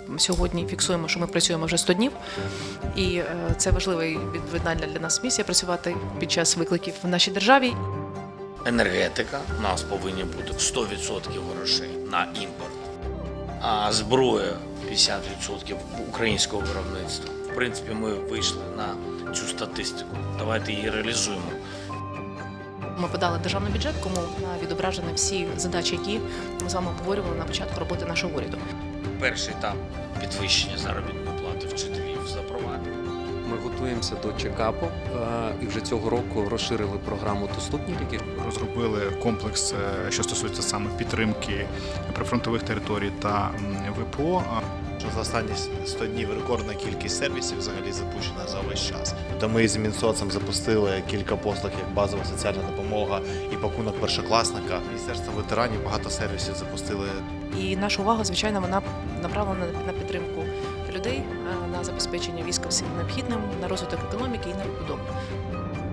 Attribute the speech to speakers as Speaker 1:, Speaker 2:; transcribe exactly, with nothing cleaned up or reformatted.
Speaker 1: сьогодні фіксуємо, що ми працюємо вже сто днів, і це важлива і відповідальна для нас місія працювати під час викликів в нашій державі.
Speaker 2: Енергетика, у нас повинні бути сто відсотків грошей на імпорт, а зброя п'ятдесят відсотків українського виробництва. В принципі, ми вийшли на цю статистику. Давайте її реалізуємо.
Speaker 1: Ми подали державний бюджет, кому відображені всі задачі, які ми з вами обговорювали на початку роботи нашого уряду.
Speaker 2: Перший етап підвищення заробітної плати вчителів запровадимо.
Speaker 3: Ми готуємося до чекапу і вже цього року розширили програму «Доступні ліки».
Speaker 4: Розробили комплекс, що стосується саме підтримки прифронтових територій та ВПО.
Speaker 5: За останні сто днів рекордна кількість сервісів взагалі запущена за весь час. Та ми з Мінсоцом запустили кілька послуг, як базова соціальна допомога і пакунок першокласника. Міністерство ветеранів багато сервісів запустили.
Speaker 1: І наша увага, звичайно, вона направлена на підтримку людей, на забезпечення війська всім необхідним, на розвиток економіки і на побудову.